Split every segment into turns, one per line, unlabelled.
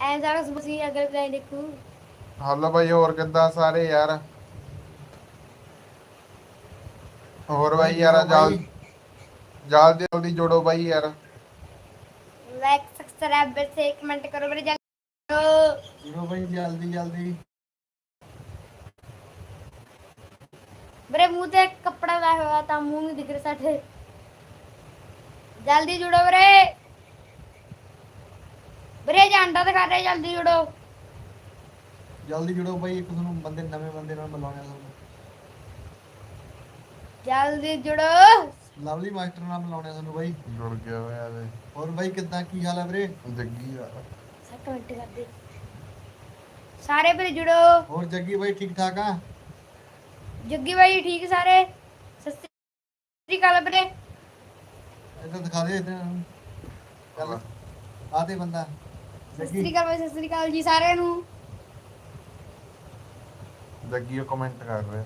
ऐसा बस अगर मैं देखूं।
हेलो भाई, और किदा सारे यार? और
भाई
भाई यार,
जुड़ो भाई।
जल्दी जल्दी जोड़ो भाई यार।
लाइक सब्सक्राइब से कमेंट करो मेरे जल्दी।
जुड़ो भाई जल्दी जल्दी।
मेरे मुंह ते कपड़ा लाया हुआ था, मुंह नहीं दिख रहा साठे। जल्दी जुड़ो मेरे। मेरे अंडा दिखा रहे, जल्दी जुड़ो।
जल्दी जुड़ो भाई, एक ਤੁਹਾਨੂੰ ਬੰਦੇ ਨਵੇਂ ਬੰਦੇ ਨਾਲ ਮਿਲਾਉਣੇ ਤੁਹਾਨੂੰ।
जल्दी जुड़ो।
ਲਵਲੀ ਮਾਸਟਰ ਨਾਲ ਮਿਲਾਉਣੇ ਤੁਹਾਨੂੰ ਬਾਈ।
जुड़ गया यार।
ਹੋਰ ਬਾਈ ਕਿੱਦਾਂ, ਕੀ ਹਾਲ ਹੈ ਵੀਰੇ?
जग्गी यार।
सब कमेंट कर दे सारे मेरे जुड़ो।
ਹੋਰ ਜੱਗੀ ਬਾਈ ਠੀਕ ਠਾਕ ਆ?
जग्गी भाई ठीक है सारे। सत श्री अकाल मेरे।
ਇੱਧਰ ਦਿਖਾ ਦੇ ਇੱਧਰ ਚੱਲ ਆ ਤੇ ਬੰਦਾ
सत
ਜੱਗੀ।
श्री अकाल भाई, सत श्री अकाल जी सारे नू।
जग्गी कमेंट कर रहे।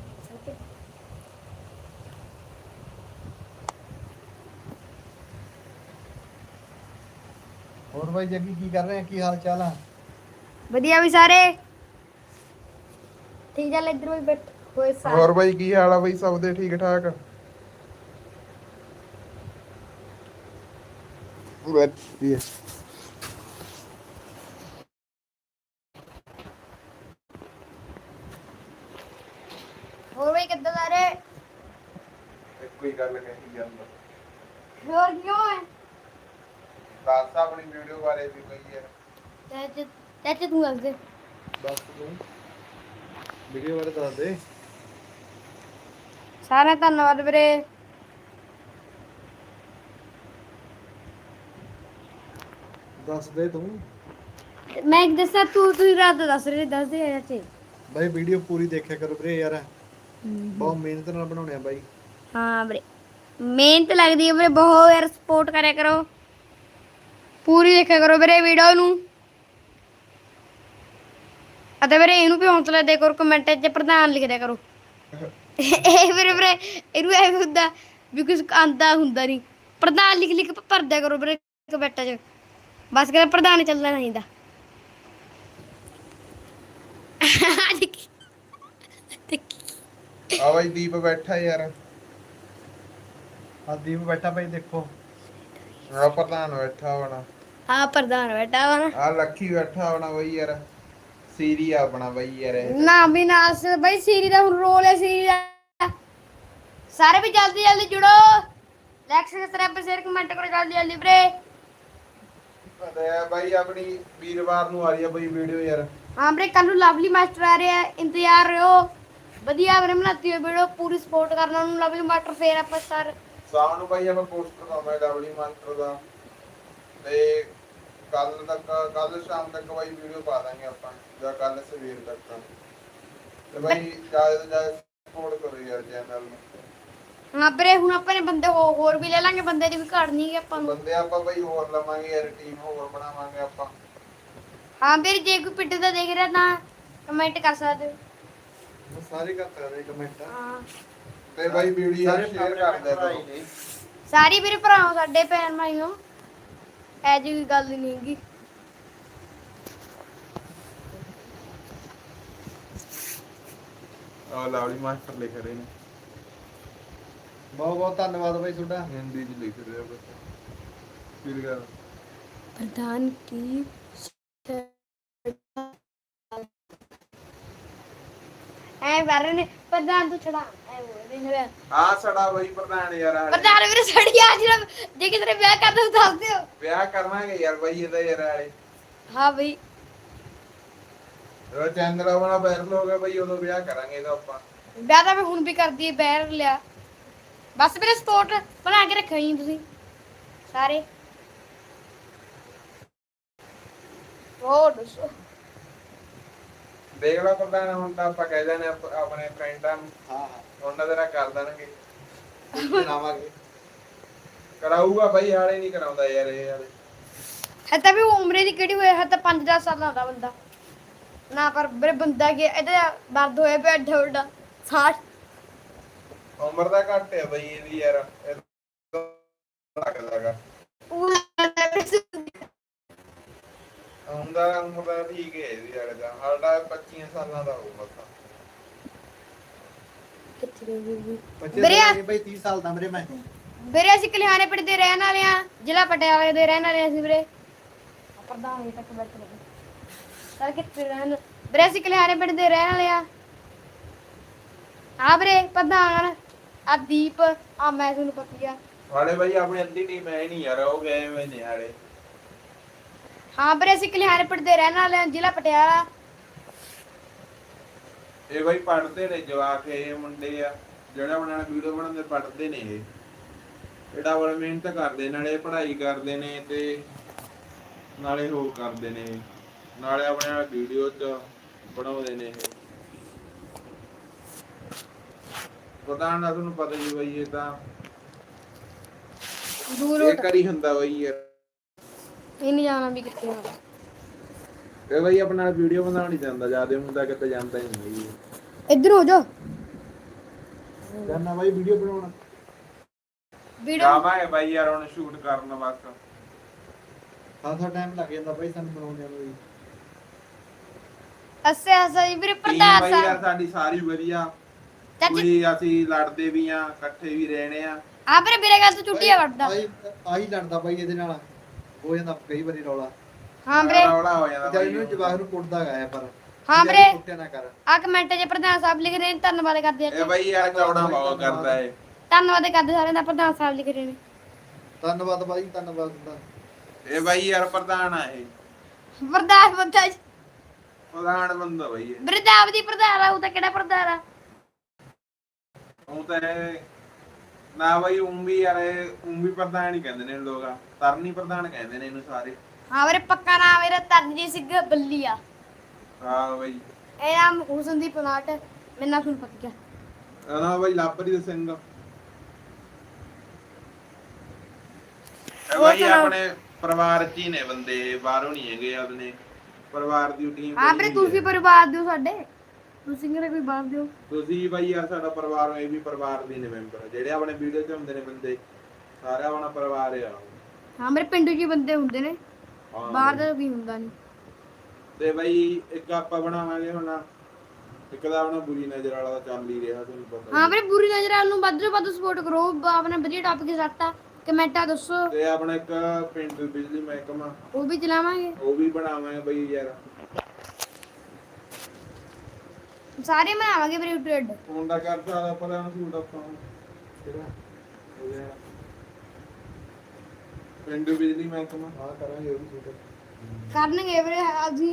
ਹੋਰ ਬਾਈ ਜੱਗੀ ਕੀ ਕਰ ਰਹੇ ਆ, ਕੀ ਹਾਲ ਚਾਲ ਆ?
बढ़िया भी सारे ठीक। चल इधर भी बैठ होए सारे।
और भाई की हाल है भाई? सब दे ठीक ठाक? बढ़िया।
और भाई कितना सारे
कोई गल कही ਜਾਂਦਾ।
और क्यों है
ਦੱਸ ਆਪਣੀ ਵੀਡੀਓ ਬਾਰੇ ਵੀ ਕੋਈ ਯਾਰ।
चाचे? चाचे तू दस दे।
ਦੱਸ ਤੂੰ ਵੀਡੀਓ ਬਾਰੇ ਦੱਸ ਦੇ।
सारे धन्यवाद मेरे।
ਦੱਸ ਦੇ ਤੂੰ
मैं एक दसा तू रात दस रहे, दस दे चाचे।
ਬਾਈ ਵੀਡੀਓ ਪੂਰੀ ਦੇਖਿਆ ਕਰੋ ਵੀਰੇ ਯਾਰ, ਬਹੁਤ ਮਿਹਨਤ ਨਾਲ ਬਣਾਉਣੇ ਆ ਬਾਈ।
हाँ मेरे मेहनत लगती है मेरे, बहुत यार सपोर्ट करे करो, पूरी देखा करो मेरे वीडियो नू। ਅਤੇ ਵੀਰੇ ਇਹਨੂੰ ਵੀ ਹੌਸਲਾ ਦੇ ਕਰੋ, ਕਮੈਂਟ 'ਚ ਪ੍ਰਧਾਨ ਲਿਖ ਦਿਆ ਕਰੋ। ਇਹ ਵੀਰੇ ਇਹਨੂੰ ਐਵੇਂ ਹੁੰਦਾ ਵੀ ਕੁਝ ਆਂਦਾ ਹੁੰਦਾ ਨਹੀਂ, ਪ੍ਰਧਾਨ ਲਿਖ ਭਰਦਿਆ ਕਰੋ ਵੀਰੇ ਕਮੈਂਟਾਂ 'ਚ। ਬਸ ਕਹਿੰਦਾ ਪ੍ਰਧਾਨ ਚੱਲਣਾ ਚਾਹੀਦਾ।
ਆ ਭਾਈ ਦੀਪ ਬੈਠਾ ਯਾਰ।
ਆ ਦੀਪ ਬੈਠਾ ਭਾਈ ਦੇਖੋ।
ਆ ਪ੍ਰਧਾਨ ਬੈਠਾ ਹੋਣਾ।
ਹਾਂ ਪ੍ਰਧਾਨ ਬੈਠਾ ਵਾ ਨਾ।
ਆ ਲੱਖੀ ਬੈਠਾ ਹੋਣਾ ਬਈ ਯਾਰ। ਸੀਰੀ ਆਪਣਾ ਬਈ ਯਾਰ ਇਹ।
ਨਾ ਵੀ ਨਾ ਬਈ ਸੀਰੀ ਦਾ ਹੁਣ ਰੋਲ ਹੈ ਸੀਰੀ ਦਾ। ਸਾਰੇ ਵੀ ਜਲਦੀ ਜਲਦੀ ਜੁੜੋ, ਲਾਈਕ ਸਬਸਕ੍ਰਾਈਬ ਸ਼ੇਅਰ ਕਮੈਂਟ ਕਰੋ ਜਲਦੀ ਜਲਦੀ ਵੀਰੇ।
ਤੇ ਬਈ ਆਪਣੀ ਵੀਰਵਾਰ ਨੂੰ ਆ ਰਹੀ ਆ ਬਈ ਵੀਡੀਓ ਯਾਰ।
ਹਾਂ ਵੀਰੇ ਕੱਲ ਨੂੰ ਲਵਲੀ ਮਾਸਟਰ ਆ ਰਿਹਾ, ਇੰਤਜ਼ਾਰ ਰਹੋ। ਵਧੀਆ ਵੀਰੇ ਬਣਾਤੀ ਹੋਈ ਵੀਡੀਓ, ਪੂਰੀ ਸਪੋਰਟ ਕਰਨਾ ਉਹਨੂੰ ਲਵਲੀ ਮਾਸਟਰ। ਫੇਰ ਆਪਾਂ ਸਰ
ਸ਼ਾਮ ਨੂੰ ਭਾਈ ਆਪਾਂ ਪੋਸਟਰ ਪਾਵਾਂਗੇ ਲਵਲੀ ਮਾਸਟਰ ਦਾ, ਤੇ ਕੱਲ ਸ਼ਾਮ ਤੱਕ ਭਾਈ ਵੀਡੀਓ ਪਾ ਦਾਂਗੇ ਆਪਾਂ, ਜਾਂ ਕੱਲ ਸਵੇਰ ਤੱਕ। ਤੇ ਭਾਈ ਜਿਆਦਾ ਤੋਂ ਜਿਆਦਾ ਸਪੋਰਟ ਕਰੋ ਯਾਰ ਚੈਨਲ ਨੂੰ।
ਹਾਂ ਵੀਰੇ ਹੁਣ ਆਪਾਂ ਨੇ ਬੰਦੇ ਹੋਰ ਵੀ ਲੈ ਲਾਂਗੇ, ਬੰਦੇ ਦੀ ਵੀ ਘਾਟ ਨਹੀਂ ਆਪਾਂ ਨੂੰ।
ਬੰਦੇ ਆਪਾਂ ਭਾਈ ਹੋਰ ਲਵਾਂਗੇ ਯਾਰ, ਟੀਮ ਹੋਰ ਬਣਾਵਾਂਗੇ ਆਪਾਂ।
ਹਾਂ ਵੀਰੇ ਜੇ ਕੋਈ ਪਿੱਟ ਦਾ ਦੇਖ ਰਿਹਾ ਤਾਂ ਕਮੈਂਟ ਕਰ ਸਕਦੇ ਹੋ।
ਸਾਰੇ ਕਰ ਸਕਦੇ ਕਮੈਂਟ।
ਹਾਂ
ਤੇ ਭਾਈ ਵੀਡੀਓ ਸ਼ੇਅਰ ਕਰ ਦਿਆ ਕਰੋ।
ਸਾਰੀ ਵੀਰੇ ਭਰਾਓ ਸਾਡੇ ਭੈਣ ਭਾਈਓ, ਐ ਜੀ ਕੋਈ ਗੱਲ ਨਹੀਂ ਹੈਗੀ।
ਆ ਲਵਲੀ ਮਾਸਟਰ ਲਿਖ ਰਹੇ ਨੇ,
ਬਹੁਤ ਬਹੁਤ ਧੰਨਵਾਦ ਬਾਈ ਤੁਹਾਡਾ।
ਹਿੰਦੀ ਚ ਲਿਖ ਰਹੇ ਆ ਬਸ। ਫਿਰ ਗਿਆ
प्रधान की ऐ बारे ने प्रधान तू छड़ा ऐ बोल रहे
ਆ ਸੜਾ ਬਈ ਪ੍ਰਧਾਨ ਯਾਰ।
प्रधान मेरे सड़ी आज जे कितने ब्याह कर दो दस दियो।
ਵਿਆਹ ਕਰਵਾਂਗੇ ਯਾਰ ਬਈ ਇਹਦਾ ਯਾਰ ਆਲੇ।
हां भाई
ਜਦੋਂ ਚੈਨਲ ਆਪਣਾ ਵਾਇਰਲ ਹੋ ਗਿਆ ਬਈ ਉਦੋਂ ਵਿਆਹ ਕਰਾਂਗੇ ਇਹਦਾ ਆਪਾਂ।
ब्याह ਤਾਂ ਮੈਂ ਹੁਣ ਵੀ ਕਰਦੀ ਏ, ਬਹਿਰ ਲਿਆ। ਬਸ ਮੇਰੇ ਸਪੋਰਟ ਬਣਾ ਕੇ ਰੱਖਿਓ ਜੀ ਤੁਸੀਂ ਸਾਰੇ। ਹੋਰ ਦੱਸੋ
ਦੇਖ ਲਓ ਪ੍ਰਧਾਨ, ਹੁਣ ਤਾਂ ਆਪਾਂ ਕਹਿ ਦੇਣੇ ਆਪਣੇ ਫਰੈਂਡਾਂ ਨੂੰ,
ਹਾਂ
ਉਹਨਾਂ ਦੇ ਨਾਲ ਕਰ ਦੇਣਗੇ।
ਹਾਂ ਬਣਾਵਾਂਗੇ।
ਕਰਾਊਗਾ ਬਈ, ਹਾਲੇ ਨਹੀਂ ਕਰਾਉਂਦਾ ਯਾਰ ਇਹ ਹਾਲੇ।
ਹੈ ਤਾਂ ਵੀ ਉਮਰੇ ਦੀ ਕਿਹੜੀ ਹੋਇਆ, ਹੈ ਤਾਂ 5-10 ਸਾਲਾਂ ਦਾ ਬੰਦਾ ਨਾ। ਪਰ ਮੇਰੇ ਬੰਦਾ ਕਿ ਇਹਦਾ ਦਰਦ ਹੋਇਆ ਪਿਆ ਏਡਾ ਵੱਡਾ 60।
ਉਮਰ ਦਾ ਘੱਟ ਹੈ ਬਈ ਇਹਦੀ ਯਾਰ, ਲੱਗਦਾਗਾ। ਹੁੰਦਾ ਉਮਰ ਦਾ ਠੀਕ ਹੈ ਇਹਦੀ ਯਾਰ ਦਾ ਸਾਡਾ 25 ਸਾਲਾਂ ਦਾ ਹੋਊ ਬਸ
ਕਿੱਥੇ ਗਈ ਵੀ
ਬੱਚੇ
ਵੀਰੇ
ਤਾਂ ਬਈ 30 ਸਾਲ ਦਾ ਮੇਰੇ ਮੈਂ
ਵੀਰੇ ਅਸੀਂ ਕਲਿਆਣੇ ਪਿੰਡ ਦੇ ਰਹਿਣ ਵਾਲੇ ਆ ਜ਼ਿਲ੍ਹਾ ਪਟਿਆਲੇ ਦੇ ਰਹਿਣ ਵਾਲੇ ਅਸੀਂ ਵੀਰੇ ਪ੍ਰਧਾਨ ਜੀ ਤੱਕ ਬੈਠੇ ਨੇ ਸਰ ਕਿੱਥੇ ਰਹਿਣ ਵੀਰੇ ਅਸੀਂ ਕਲਿਆਣੇ ਪਿੰਡ ਦੇ ਰਹਿਣ ਵਾਲੇ ਆ ਵੀਰੇ ਪ੍ਰਧਾਨ ਆ ਦੀਪ ਆ ਮੈਂ ਤੁਹਾਨੂੰ ਪਤੀ ਆ
ਵਾਲੇ ਬਾਈ ਆਪਣੀ ਅੱਧੀ ਟੀਮ ਹੈ ਨਹੀਂ ਯਾਰ ਉਹ ਗਏ ਹੋਏ ਨੇ ਹਾਲੇ
ਹਾਂ ਵੀਰੇ ਅਸੀਂ ਕਲਿਆਣੇ ਪਿੰਡ ਦੇ ਰਹਿਣ ਵਾਲੇ ਆ ਜ਼ਿਲ੍ਹਾ ਪਟਿਆਲਾ
ਇਹ ਬਾਈ ਪੜ੍ਹਦੇ ਨੇ ਜਵਾਕ ਇਹ ਮੁੰਡੇ ਆ ਜਿਹੜਾ ਬਣਾਉਣਾ ਵੀਡੀਓ ਬਣਾਉਂਦੇ ਪੜ੍ਹਦੇ ਨੇ ਇਹ ਇਹਦਾ ਬੜਾ ਮਿਹਨਤ ਕਰਦੇ ਨਾਲੇ ਪੜ੍ਹਾਈ ਕਰਦੇ ਨੇ ਤੇ ਨਾਲੇ ਹੋਰ ਕਰਦੇ ਨੇ ਨਾਲੇ ਆਪਣੇ ਵੀਡੀਓ ਚ ਬਣਾਉਂਦੇ ਨੇ ਇਹ ਪਤਾ ਨਾ ਤੁਹਾਨੂੰ ਪਤਾ ਹੀ ਬਾਈ ਇਹ ਤਾਂ
ਦੂਰ
ਇਹ ਕਰੀ ਹੁੰਦਾ ਬਾਈ ਯਾਰ
ਇਹ ਨਹੀਂ ਜਾਣਾ ਵੀ ਕਿੱਥੇ ਹੋਣਾ
ਇਹ ਬਾਈ ਆਪਣਾ ਵੀਡੀਓ ਬਣਾਉਣ ਨਹੀਂ ਜਾਂਦਾ ਜਿਆਦਾ ਹੁੰਦਾ ਕਿਤੇ ਜਾਂਦਾ ਹੀ ਨਹੀਂ
ਇੱਧਰ ਹੋ ਜਾ
ਕਰਨਾ ਬਾਈ ਵੀਡੀਓ ਬਣਾਉਣਾ
ਵੀਡੀਓ
ਜਾਵਾਂਗੇ ਬਾਈ ਯਾਰ ਹੁਣ ਸ਼ੂਟ ਕਰਨ ਬਸ
ਥੋੜਾ ਟਾਈਮ ਲੱਗ ਜਾਂਦਾ ਬਾਈ ਸਾਨੂੰ ਬਣਾਉਂਦੇ ਨੂੰ ਵੀ
ਅੱਛਾ ਅੱਛਾ ਜੀ ਵੀਰੇ
ਟੀਮ
ਪ੍ਰਧਾਨ
ਬਾਈ ਯਾਰ
ਸਾਹਿਬ
ਸਾਡੀ ਸਾਰੀ ਵਧੀਆ
ਚਾਚੀ
ਕੋਈ ਅਸੀਂ ਲੜਦੇ ਵੀ ਆ ਇਕੱਠੇ ਵੀ ਰਹਿਣੇ ਆ
ਆ ਵੀਰੇ ਗੱਲ ਤੋਂ ਚੁੱਟੀਆਂ ਵੱਟਦਾ
ਆਹੀ ਲੜਦਾ ਬਾਈ ਇਹਦੇ ਨਾਲ ਹੋ ਜਾਂਦਾ ਕਈ ਵਾਰੀ ਰੌਲਾ
ਹਾਂ ਵੀਰੇ
ਰੌਲਾ ਹੋ ਜਾਂਦਾ
ਜਦ
ਬਾਈ
ਇਹਨੂੰ ਜਵਾਹ ਨੂੰ ਕੁੱਟਦਾ ਗਿਆ ਪਰ
ਹਾਂ ਵੀਰੇ
ਕੁੱਟਿਆ ਨਾ ਕਰ
ਆ ਕਮੈਂਟ 'ਚ ਪ੍ਰਧਾਨ ਸਾਹਿਬ ਲਿਖ ਰਹੇ ਨੇ ਧੰਨਵਾਦ ਕਰਦੇ ਆ
ਇਹ ਬਾਈ ਯਾਰ ਚੌੜਾ ਬਹੁਤ ਕਰਦਾ ਏ
ਧੰਨਵਾਦ ਕਰਦੇ ਸਾਰਿਆਂ ਦਾ ਪ੍ਰਧਾਨ ਸਾਹਿਬ ਲਿਖ ਰਹੇ ਨੇ
ਧੰਨਵਾਦ ਬਾਈ ਧੰਨਵਾਦ ਦਾ
ਇਹ ਬਾਈ ਯਾਰ ਪ੍ਰਧਾਨ ਆ ਇਹ
ਪ੍ਰਧਾਨ ਬੰਦਾ
ਪ੍ਰਧਾਨ ਬੰਦਾ ਬਾਈ ਇਹ
ਬ੍ਰਿਦਾਵ ਦੀ ਪ੍ਰਧਾਨ ਆ ਉਹ ਤਾਂ ਕਿਹੜਾ ਪ੍ਰਧਾਨ ਆ
ਉਹ ਤਾਂ ਇਹ ਨਾ ਬਾਈ ਵੀ ਯਾਰ ਵੀ ਪ੍ਰਧਾਨ ਹੀ ਕਹਿੰਦੇ ਨੇ ਲੋਕ ਤਰਨੀ ਪ੍ਰਧਾਨ ਕਹਿੰਦੇ ਨੇ ਇਹਨੂੰ ਸਾਰੇ
ਹਾਂ ਵੀਰੇ ਪੱਕਾ ਨਾਮ ਮੇਰਾ ਤਰਨਜੀਤ ਸਿੰਘ ਬੱਲੀ ਆ
ਹਾਂ ਬਾਈ
ਇਹ ਨਾਮ ਹੁਸਨਦੀਪ ਪਲਾਟ ਮੇਰੇ ਨਾਲ ਤੁਹਾਨੂੰ ਪਤਾ ਕਿਆ
ਨਾ ਬਾਈ ਲਾਪਰੀ ਸਿੰਘ ਇਹ
ਉਹ
ਬਾਈ
ਤਾਂ-
ਆਪਣੇ ਪਰਿਵਾਰ ਚ ਹੀ ਨੇ ਬੰਦੇ ਬਾਹਰੋਂ ਨਹੀਂ ਹੈਗੇ ਆਪਣੇ ਪਰਿਵਾਰ ਦੀ ਟੀਮ
ਹਾਂ ਵੀਰੇ ਤੁਸੀਂ ਪਰਿਵਾਰ ਦਿਓ ਸਾਡੇ ਤੁਸੀਂ ਕਿਹੜੇ ਕੋਈ ਬਾਹਰ ਦਿਓ
ਤੁਸੀਂ ਬਾਈ ਯਾਰ ਸਾਡਾ ਪਰਿਵਾਰ ਇਹ ਵੀ ਪਰਿਵਾਰ ਦੇ ਨੇ ਮੈਂਬਰ ਜਿਹੜੇ ਆਪਣੇ ਵੀਡੀਓ 'ਚ ਹੁੰਦੇ ਨੇ ਬੰਦੇ ਸਾਰਾ ਆਪਣਾ ਪਰਿਵਾਰ ਆ
ਹਾਂ ਮੇਰੇ ਪਿੰਡ 'ਚ ਹੀ ਬੰਦੇ ਹੁੰਦੇ ਨੇ
ਹਾਂ
ਬਾਹਰ ਦਾ ਵੀ ਹੁੰਦਾ ਨਹੀਂ
ਤੇ ਬਾਈ ਇੱਕ ਆਪਾਂ ਬਣਾਵਾਂਗੇ ਹੁਣ ਇੱਕ ਦਾ ਆਪਣਾ ਬੁਰੀ ਨਜ਼ਰ ਵਾਲਾ ਤਾਂ ਚੱਲ ਹੀ ਰਿਹਾ ਤੁਹਾਨੂੰ ਪਤਾ
ਹਾਂ ਵੀਰੇ ਬੁਰੀ ਨਜ਼ਰ ਵਾਲ ਨੂੰ ਵੱਧ ਤੋਂ ਵੱਧ ਸਪੋਰਟ ਕਰੋ ਆਪਣਾ ਵਧੀਆ ਟੌਪਿਕ ਸੱਟਾ ਕਮੈਂਟਾਂ ਦੱਸੋ
ਤੇ ਆਪਣਾ ਇੱਕ ਪਿੰਡ ਬਿਜਲੀ ਮਹਿਕਮਾ
ਉਹ ਵੀ ਚਲਾਵਾਂਗੇ
ਉਹ ਵੀ ਬਣਾਵਾਂਗੇ ਬਾਈ ਯਾਰ
ਸਾਰੇ ਬਣਾਵਾਂਗੇ ਵੀਰੇ ਟ੍ਰੇਡ
ਫੋਨ ਦਾ ਕਰਦਾ ਆਪਾਂ ਦਾ ਸੂਟ ਆਪਾਂ ਕਿਹੜਾ ਹੋ ਗਿਆ ਪਿੰਡ ਬਿਜਲੀ ਮਹਿਕਮਾ
ਹਾਂ ਕਰਾਂਗੇ ਉਹ ਵੀ ਸ਼ੂਟ
ਕਰਨਗੇ ਵੀਰੇ ਅਸੀਂ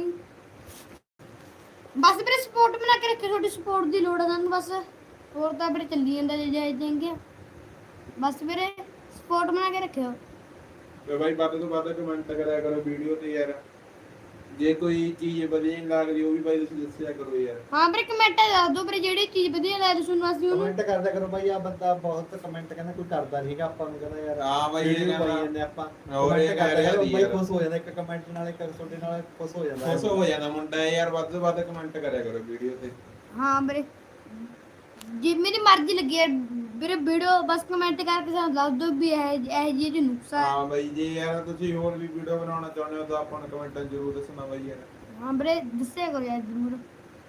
ਬਸ ਵੀਰੇ ਸਪੋਰਟ ਬਣਾ ਕੇ ਰੱਖਿਓ ਤੁਹਾਡੀ ਸਪੋਰਟ ਦੀ ਲੋੜ ਆ ਸਾਨੂੰ ਬਸ ਹੋਰ ਤਾਂ ਵੀਰੇ ਚੱਲੀ ਜਾਂਦਾ ਜੇ ਜਾਇ ਜਾਂਗੇ ਬਸ ਵੀਰੇ ਸਪੋਰਟ ਬਣਾ ਕੇ ਰੱਖਿਓ
ਤੇ ਬਾਈ ਵੱਧ ਤੋਂ ਵੱਧ ਕਮੈਂਟ ਕਰਿਆ ਕਰੋ ਵੀਡੀਓ ਤੇ ਯਾਰ ਜੇ ਕੋਈ ਚੀਜ਼ ਵਧੀਆ ਨਹੀਂ ਲੱਗਦੀ ਉਹ ਵੀ ਬਾਈ ਤੁਸੀਂ ਦੱਸਿਆ ਕਰੋ ਯਾਰ
ਹਾਂ ਵੀਰੇ ਕਮੈਂਟ ਦੱਸ ਦਿਓ ਵੀਰੇ ਜਿਹੜੀ ਚੀਜ਼ ਵਧੀਆ ਲੱਗਦੀ ਤੁਹਾਨੂੰ ਅਸੀਂ ਉਹਨੂੰ
ਕਮੈਂਟ ਕਰਦਾ ਕਰੋ ਬਾਈ ਆ ਬੰਦਾ ਬਹੁਤ ਕਮੈਂਟ ਕਹਿੰਦਾ ਕੋਈ ਕਰਦਾ ਨਹੀਂਗਾ ਆਪਾਂ ਨੂੰ ਕਹਿੰਦਾ ਯਾਰ
ਹਾਂ ਬਾਈ ਇਹ
video ਪਾਈ
ਕਹਿੰਦਾ
ਜਾਂਦੇ ਆਪਾਂ
ਹੋਰ ਇਹ
ਕਮੈਂਟ ਕਰਦਾ
ਕਹਿ ਰਿਹਾ
ਬਾਈ
ਯਾਰ।
ਖੁਸ਼ ਹੋ ਜਾਂਦਾ ਇੱਕ ਕਮੈਂਟ ਨਾਲ ਇੱਕ ਤੁਹਾਡੇ ਨਾਲ ਖੁਸ਼ ਹੋ ਜਾਂਦਾ
ਖੁਸ਼ ਹੋ ਜਾਂਦਾ ਮੁੰਡਾ ਯਾਰ ਵੱਧ ਤੋਂ ਵੱਧ ਕਮੈਂਟ ਕਰਿਆ ਕਰੋ ਵੀਡੀਓ ਤੇ
ਹਾਂ ਵੀਰੇ ਜੇ ਮੇਰੀ ਮਰਜ਼ੀ ਲੱਗੀ ਹੈ ਵੀਰੇ ਵੀਡੀਓ ਬਸ ਕਮੈਂਟ ਕਰਕੇ ਸਾਨੂੰ ਦੱਸ ਦਿਓ ਵੀ ਇਹ ਜੀ ਦੀ ਨੁਕਸਾ ਹੈ
ਹਾਂ ਬਾਈ ਜੇ ਯਾਰ ਤੁਸੀਂ ਹੋਰ ਵੀ ਵੀਡੀਓ ਬਣਾਉਣਾ ਚਾਹੁੰਦੇ ਹੋ ਤਾਂ ਆਪਾਂ ਨੂੰ ਕਮੈਂਟਾਂ ਜ਼ਰੂਰ ਦੱਸਣਾ ਬਾਈ ਯਾਰ
ਹਾਂ ਵੀਰੇ ਦੱਸਿਆ ਕਰੋ ਯਾਰ ਜ਼ਰੂਰ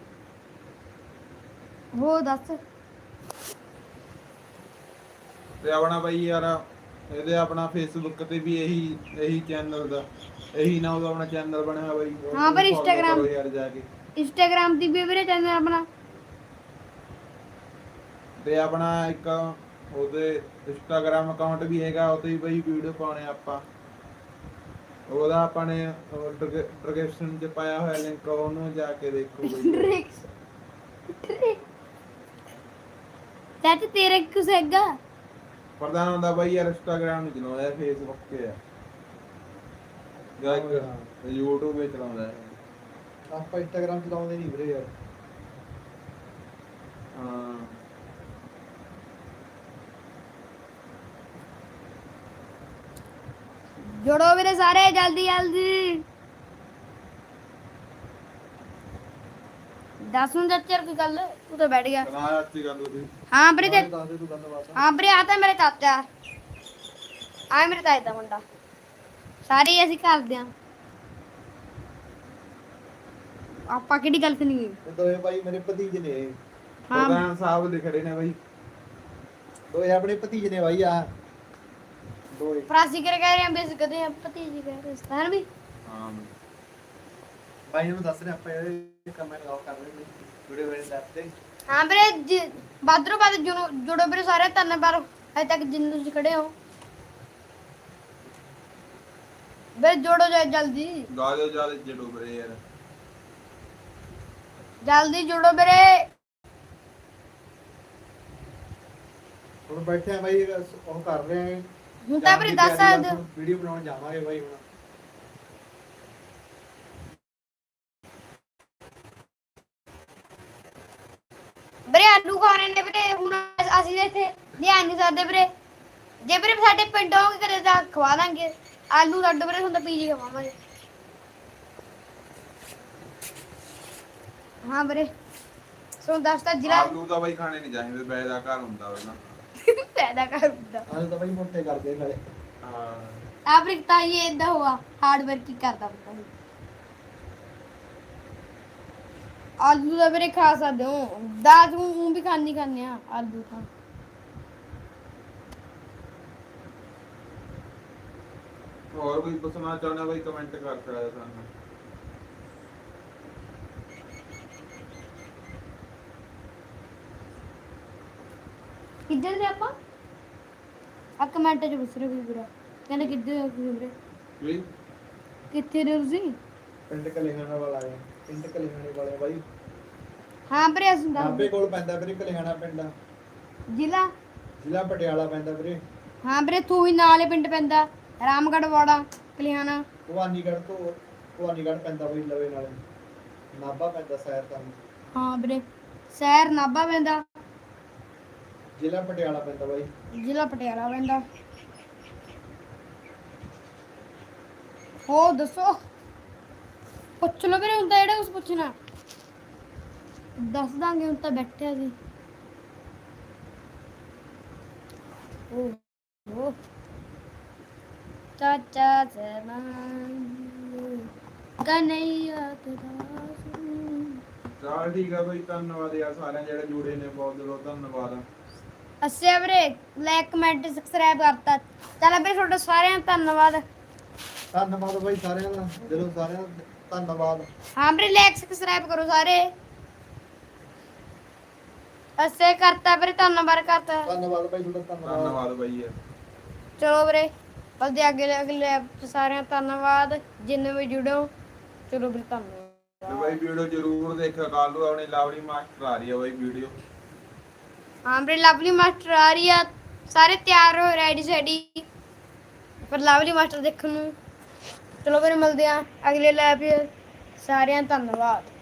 ਹੋ ਦੱਸ
ਤੇ ਆਪਣਾ ਬਾਈ ਯਾਰ ਇਹਦੇ ਆਪਣਾ ਫੇਸਬੁੱਕ ਤੇ ਵੀ ਇਹੀ ਚੈਨਲ ਦਾ ਇਹੀ ਨਾਮ ਦਾ ਆਪਣਾ ਚੈਨਲ ਬਣਿਆ ਬਾਈ
ਹਾਂ ਪਰ
follow
Instagram-
ਕਰੋ ਯਾਰ ਜਾ ਕੇ
ਇੰਸਟਾਗ੍ਰਾਮ ਦੀ ਵੀ ਵੀਰੇ ਚੈਨਲ ਆਪਣਾ
ਤੇ ਆਪਣਾ ਇੱਕ ਉਹਦੇ ਇੰਸਟਾਗ੍ਰਾਮ ਅਕਾਊਂਟ ਵੀ ਹੈਗਾ ਉਹ ਤੇ ਵੀ ਬਾਈ ਵੀਡੀਓ ਪਾਉਣੇ ਆਪਾਂ ਉਹਦਾ ਆਪਾਂ ਨੇ ਡਿਸਕ੍ਰਿਪਸ਼ਨ 'ਚ ਪਾਇਆ ਹੋਇਆ ਲਿੰਕ ਉਹਨੂੰ ਜਾ ਕੇ ਦੇਖੋ ਬਾਈ
ਚਾਚ ਤੇਰੇ ਕੁਛ ਹੈਗਾ
ਪ੍ਰਧਾਨ ਹੁੰਦਾ ਬਾਈ ਯਾਰ ਇੰਸਟਾਗ੍ਰਾਮ ਨਹੀਂ ਚਲਾਉਂਦਾ ਫੇਸਬੁੱਕ ਤੇ ਆ ਜਾਂ ਇੱਕ YouTube ਤੇ ਚਲਾਉਂਦਾ ਹੈ
ਆਪਾਂ ਇੰਸਟਾਗ੍ਰਾਮ ਚਲਾਉਂਦੇ ਨਹੀਂ ਵੀਰੇ ਯਾਰ
ਹਾਂ
ਜੋੜੋ ਵੀਰੇ ਸਾਰੇ ਜਲਦੀ ਜਲਦੀ ਦੱਸ ਨੂੰ ਚੱਚਰ ਕੀ ਗੱਲ ਤੂੰ ਤਾਂ ਬੈਠ ਗਿਆ
ਕਨਾ ਅੱਛੀ ਗੱਲ ਉਹਦੀ
ਹਾਂ ਵੀਰੇ ਤੇ
ਦੱਸ ਦੇ ਤੂੰ ਗੱਲਬਾਤ
ਹਾਂ ਵੀਰੇ ਆ ਤਾਂ ਮੇਰੇ ਚਾਚਾ ਆ ਮੇਰੇ ਤਾਏ ਦਾ ਮੁੰਡਾ ਸਾਰੇ ਅਸੀਂ ਕਰਦੇ ਆ ਆਪਾਂ ਕਿਹੜੀ ਗੱਲ ਸੁਣੀ
ਇਹ ਦੋਏ ਭਾਈ ਮੇਰੇ ਭਤੀਜੇ ਨੇ।
ਹਾਂ
ਪ੍ਰਧਾਨ ਸਾਹਿਬ ਦੇ ਖੜੇ ਨੇ ਬਾਈ।
ਦੋਏ ਆਪਣੇ ਭਤੀਜੇ ਨੇ ਭਾਈ ਆ ਦੋਏ।
ਫਰਾਸੀ ਕਰ ਕਹਿ ਰਹੇ ਆ ਬੇਸ ਕਦੇ ਆ ਭਤੀਜੀ ਕਹਿ ਰਹੇ ਸਤਾਨ ਵੀ
ਹਾਂ
ਭਾਈ ਨੂੰ ਦੱਸ ਰਹੇ ਆਪਾਂ ਇਹ ਕਮੈਂਟ ਲਾਓ ਕਰ ਰਹੇ ਨੇ ਵੀਡੀਓ ਵੇਲੇ ਦੱਸ ਤੇ।
ਹਾਂ ਵੀਰੇ ਬਾਦਰੋਂ ਬਾਦ ਜੁੜੋ ਵੀਰੇ ਸਾਰੇ ਧੰਨਵਾਦ ਅਜੇ ਤੱਕ ਜਿੰਨ ਤੁਸੀਂ ਖੜੇ ਹੋ ਵੀਰੇ ਜੋੜੋ ਜਲਦੀ
ਗਾਜੋ ਜਿਆਦਾ ਜੜੋ ਬਰੇ ਯਾਰ।
ਜਲਦੀ ਜੁੜੋ ਵੀਰੇ
ਹੁਣ ਬੈਠੇ ਆ ਭਾਈ ਉਹ ਕਰ ਰਹੇ ਆ
ਹੁਣ ਤਾਂ ਵੀਰੇ ਦੱਸ ਸਕਦੇ ਹੋ
ਵੀਡੀਓ ਬਣਾਉਣ ਜਾਵਾਂਗੇ ਭਾਈ ਹੁਣ।
ਵੀਰੇ ਆਲੂ ਖਾਣੇ ਨੇ ਵੀਰੇ ਹੁਣ ਅਸੀਂ ਇੱਥੇ ਲਿਆ ਨਹੀਂ ਸਕਦੇ ਵੀਰੇ ਜੇ ਵੀਰੇ ਸਾਡੇ ਪਿੰਡ ਹੋਗੇ ਕਦੇ ਤਾਂ ਖਵਾ ਦਾਂਗੇ ਆਲੂ ਲੱਡੂ ਵੀਰੇ ਹੁਣ ਤਾਂ ਪੀਜੀ ਖਵਾਵਾਂਗੇ ਹਾਂ ਵੀਰੇ ਸੋ ਦੱਸਦਾ ਜ਼ਿਲ੍ਹਾ
ਆਲੂ ਤਾਂ ਬਾਈ ਖਾਣੇ ਨਹੀਂ ਚਾਹੀਦੇ ਬੈਦਾ ਘਰ ਹੁੰਦਾ ਵਾ ਨਾ।
ਪੈਦਾ ਕਰ ਦਿੰਦਾ
ਆਲੇ ਤਾਂ ਭਾਈ ਮੋਟੇ ਕਰਦੇ ਨਾਲੇ।
ਹਾਂ
ਆਫਰਿਕ ਤਾਂ ਇਹ ਇਦਾਂ ਹੋਆ ਹਾਰਡ ਵਰਕ ਹੀ ਕਰਦਾ ਪਤਾ ਨਹੀਂ ਆਲੂ ਦਾ ਵੀਰੇ ਖਾ ਸਕਦੇ ਹੋ ਦਾਲ ਨੂੰ ਵੀ ਖਾਣੇ ਆ ਆਲੂ ਤਾਂ
ਹੋਰ ਕੋਈ ਪੁੱਛਣਾ ਚਾਹੁੰਦਾ ਬਾਈ ਕਮੈਂਟ ਕਰ ਸਕਦਾ ਸਾਨੂੰ।
ਕਿੱਧਰ ਦੇ ਆਪਾਂ ਆ ਕਮੈਂਟ ਚ ਪੁੱਛ ਰਹੇ ਕੋਈ ਵੀਰਾ ਕਹਿੰਦੇ ਕਿੱਧਰ ਹੋ ਤੁਸੀਂ ਵੀਰੇ
ਵੀ
ਕਿੱਥੇ ਰਹੇ ਤੁਸੀਂ
ਪਿੰਡ ਕਲਿਆਣਾ ਵਾਲਾ ਹੈ ਪਿੰਡ ਕਲਿਆਣੇ ਵਾਲੇ ਆ ਭਾਈ।
ਹਾਂ ਵੀਰੇ ਅਸੀਂ
ਨਾਭੇ
ਦੱਸ
ਕੋਲ ਪੈਂਦਾ ਵੀਰੇ ਕਲਿਆਣਾ ਪਿੰਡ
ਜ਼ਿਲ੍ਹਾ
ਜ਼ਿਲ੍ਹਾ ਪਟਿਆਲਾ ਪੈਂਦਾ ਵੀਰੇ।
ਹਾਂ ਵੀਰੇ ਤੂੰ ਹੀ ਨਾਲੇ ਪਿੰਡ ਪੈਂਦਾ ਰਾਮਗੜ੍ਹ ਵਾੜਾ ਕਲਿਆਣਾ
ਭਵਾਨੀਗੜ੍ਹ ਤੋਂ ਭਵਾਨੀਗੜ੍ਹ ਪੈਂਦਾ ਬਈ ਲਵੇ ਨਾਲੇ ਨਾਭਾ ਪੈਂਦਾ ਸ਼ਹਿਰ ਤਾਂ
ਹਾਂ ਵੀਰੇ ਸ਼ਹਿਰ ਨਾਭਾ ਪੈਂਦਾ
ਜ਼ਿਲ੍ਹਾ ਪਟਿਆਲਾ ਪੈਂਦਾ ਬਾਈ।
ਜ਼ਿਲ੍ਹਾ ਪਟਿਆਲਾ ਪੈਂਦਾ ਹੋ ਦੱਸੋ ਪੁੱਛ ਲੋ ਵੀਰੇ ਹੁਣ ਤਾਂ ਜਿਹੜਾ ਕੁਛ ਪੁੱਛਣਾ ਦੱਸ ਦਾਂਗੇ ਹੁਣ ਤਾਂ ਬੈਠੇ ਸੀ ਉਹ ਚਾਚਾ ਜ਼ਮਾਨ ਕਨਈਆ ਤੇਰਾ
ਚਲ ਠੀਕ ਆ ਬਾਈ ਧੰਨਵਾਦ ਯਾਰ ਸਾਰਿਆਂ ਜਿਹੜੇ ਜੁੜੇ ਨੇ ਬਹੁਤ ਦਿਲੋਂ ਧੰਨਵਾਦ।
ਅੱਛਾ ਵੀਰੇ ਲਾਈਕ ਕਮੈਂਟ ਸਬਸਕ੍ਰਾਈਬ ਕਰਤਾ ਚੱਲ ਵੀਰੇ ਤੁਹਾਡਾ ਸਾਰਿਆਂ ਦਾ ਧੰਨਵਾਦ
ਧੰਨਵਾਦ ਬਾਈ ਸਾਰਿਆਂ ਦਾ ਦਿਲੋਂ ਸਾਰਿਆਂ ਦਾ ਧੰਨਵਾਦ।
ਹਾਂ ਵੀਰੇ ਲਾਈਕ ਸਬਸਕ੍ਰਾਈਬ ਕਰੋ ਸਾਰੇ ਅੱਛਾ ਕਰਤਾ ਵੀਰੇ ਧੰਨਵਾਦ ਕਰਤਾ
ਧੰਨਵਾਦ ਬਾਈ ਤੁਹਾਡਾ ਧੰਨਵਾਦ।
ਧੰਨਵਾਦ ਬਾਈ ਯਾਰ।
ਚਲੋ ਵੀਰੇ ਬਲਦੇ ਅਗਲੇ ਸਾਰਿਆਂ ਦਾ ਧੰਨਵਾਦ ਜਿੰਨੇ ਵੀ ਜੁੜੋ ਚਲੋ ਵੀਰੇ ਧੰਨਵਾਦ
ਤੇ ਬਾਈ ਵੀਡੀਓ ਜ਼ਰੂਰ ਦੇਖਿਓ ਕੱਲ ਨੂੰ ਆਪਣੀ ਲਵਲੀ ਮਾਸਟਰ ਆ ਰਹੀ ਆ ਬਾਈ ਵੀਡੀਓ।
ਹਾਂ ਵੀਰੇ ਲਵਲੀ ਮਾਸਟਰ ਆ ਰਹੀ ਆ ਸਾਰੇ ਤਿਆਰ ਹੋ ਰੈਡੀ ਸੈਡੀ ਪਰ ਲਵਲੀ ਮਾਸਟਰ ਦੇਖਣ ਨੂੰ ਚਲੋ ਵੀਰੇ ਮਿਲਦੇ ਆ ਅਗਲੇ ਲਾਈਵ ਸਾਰਿਆਂ ਦਾ ਧੰਨਵਾਦ।